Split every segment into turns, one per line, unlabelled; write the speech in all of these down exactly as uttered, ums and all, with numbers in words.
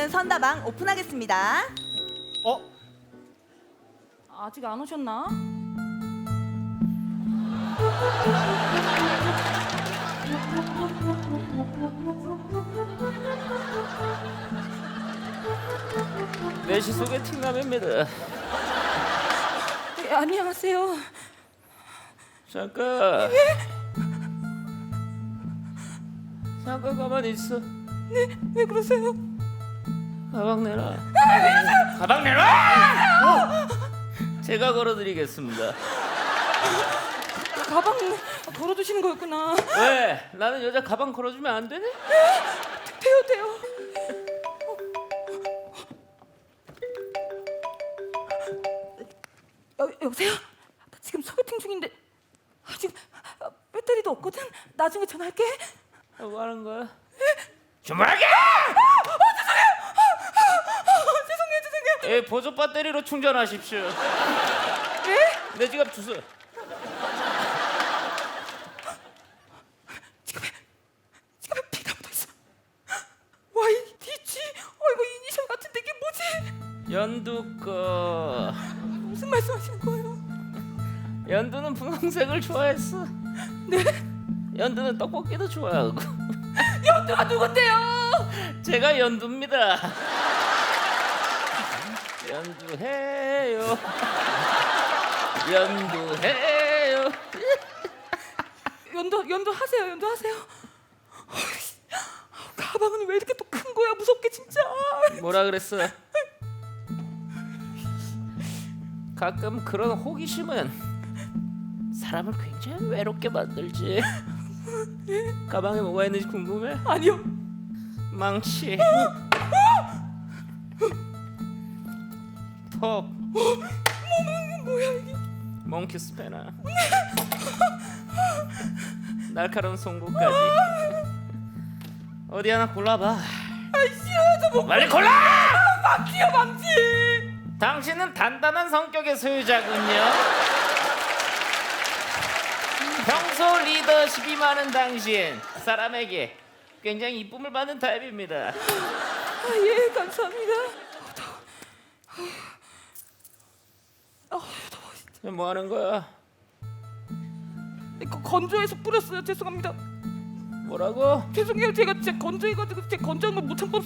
이번에는 선다방 오픈하겠습니다.
어?
아직 안 오셨나?
내시 소개팅 남입니다.
네, 안녕하세요.
잠깐. 잠깐 가만히 있어.
왜 그러세요?
가방 내놔. 가방 내놔. 제가 걸어드리겠습니다.
가방 걸어두시는 거였구나.
왜? 나는 여자 가방 걸어주면 안 되니?
돼요, 돼요. 여, 여보세요? 나 지금 소개팅 중인데 아, 지금 아, 배터리도 없거든. 나중에 전화할게.
뭐 하는 거야? 주문하게!
죄송해요, 죄송해요.
예, 보조 배터리로 충전하십시오.
네?
내 지갑 주소.
지갑에 피가 묻어있어. 와이디지? 어, 이거 이니셜 같은데 이게 뭐지?
연두 거.
무슨 말씀하시는 거예요?
연두는 분홍색을 좋아했어.
네?
연두는 떡볶이도 좋아하고.
연두가 누군데요?
제가 연두입니다. 연두해요. 연두해요.
연두 연두 하세요. 연두 하세요. 어이씨, 가방은 왜 이렇게 또 큰 거야? 무섭게 진짜.
뭐라 그랬어? 가끔 그런 호기심은 사람을 굉장히 외롭게 만들지. 가방에 뭐가 있는지 궁금해?
아니요.
망치, 톱,
뭐야 이게?
몽키 스패너, 날카로운 송곳까지. 어디 하나 골라봐.
아 싫어요. 저 뭐.
빨리 골라!
망치요 망치.
당신은 단단한 성격의 소유자군요. 평소 리더십이 많은 당신, 사람에게 굉장히 이쁨을 받는 타입입니다.
아, 예 감사합니다. 아 더워.
뭐 하는 거야?
이거 건조해서 뿌렸어요. 죄송합니다.
뭐라고?
죄송해요. 제가 진짜 건조해가지고 제가 건조한 걸 못 참고.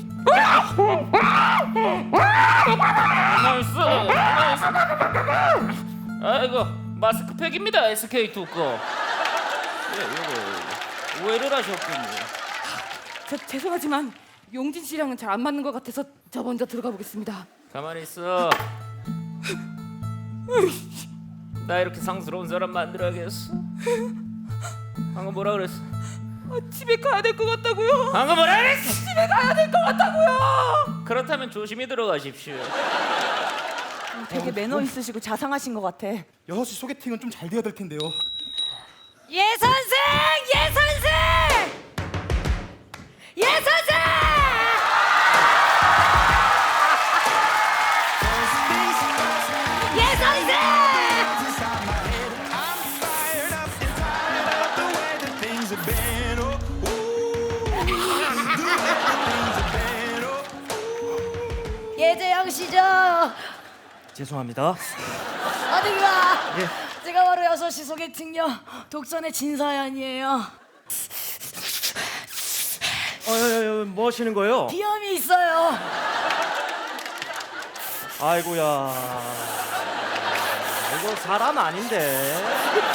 가만 있어. 가만 있어. 아이고, 마스크팩입니다. 에스케이 두꺼. 예, 이거 오해를 하셨군요.
저 죄송하지만 용진 씨랑은 잘 안 맞는 것 같아서 저 먼저 들어가 보겠습니다.
가만히 있어. 나 이렇게 상스러운 사람 만들어야겠어? 방금 뭐라 그랬어?
아, 집에 가야 될 것 같다고요.
방금 뭐라 그랬어?
집에 가야 될 것 같다고요.
그렇다면 조심히 들어가십시오.
되게 매너 있으시고 자상하신 것 같아.
여섯 시 소개팅은 좀 잘 돼야 될 텐데요.
예 선생, 예 선생, 예 선생. 예 선생.
예재영 씨죠?
죄송합니다.
어디가?
예.
제가 바로 여섯 시 소개팅녀 독선의 진사연이에요.
어, 어, 어, 뭐 하시는 거예요?
비염이 있어요.
아이고야. 이거 사람 아닌데.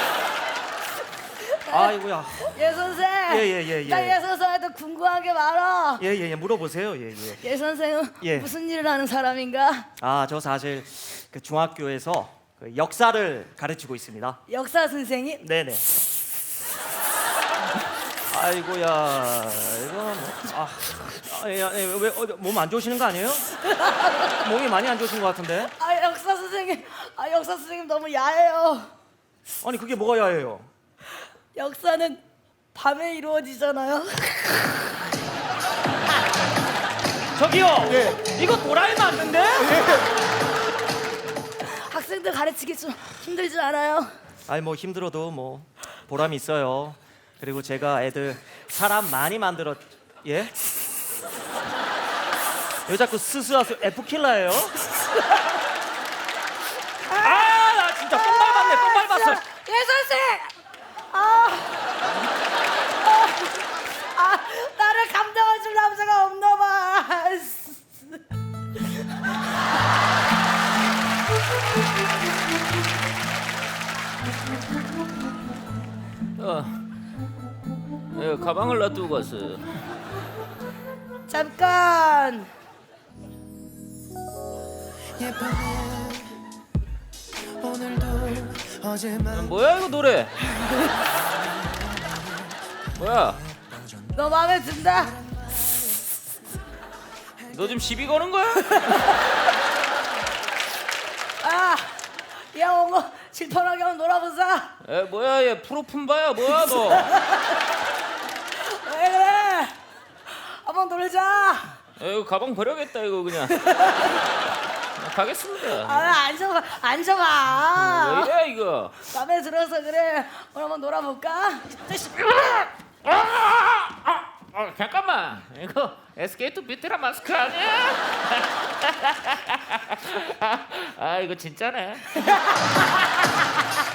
아이고야.
예 선생.
예, 예, 예, 예.
나예 선생한테 궁금한 게 많아.
예, 예, 예. 물어보세요. 예, 예.
예 선생은
예.
무슨 일을 하는 사람인가?
아, 저 사실 그 중학교에서 그 역사를 가르치고 있습니다.
역사 선생님?
네네. 아이고야. 이거 뭐, 아, 아, 예, 예, 왜 몸 안 좋으시는 거 아니에요? 몸이 많이 안 좋으신 것 같은데.
아 역사 선생님. 아 역사 선생님 너무 야해요.
아니 그게 뭐가 야해요?
역사는 밤에 이루어지잖아요.
저기요.
예.
이거 도라이 맞는데?
학생들 가르치기 좀 힘들지 않아요?
아니 뭐 힘들어도 뭐 보람이 있어요. 그리고 제가 애들 사람 많이 만들었 예? 왜 자꾸 스스하수 F킬러예요?
아, 나 진짜 똥 밟았네. 똥 밟았어.
예 선생. 아, 아, 아 나를 감당해줄 남자가 없나 봐.
어, 예, 가방을 놔두고 갔어요.
잠깐.
야, 뭐야 이거 노래? 뭐야?
너 마음에 든다.
너 지금 시비 거는 거야?
아, 야 옹호 질펀하게 한번 놀아보자.
에 뭐야 얘 프로품바야 뭐야 너?
왜 그래? 한번 놀자.
에, 이거 가방 버려야겠다 이거 그냥. 가겠습니다.
아, 앉아봐, 앉아봐.
왜 이래 이거?
마음에 들어서 그래. 오늘 한번 놀아볼까?
어, 잠깐만 이거 에스케이트 비트라 마스크 아니야? 아 이거 진짜네.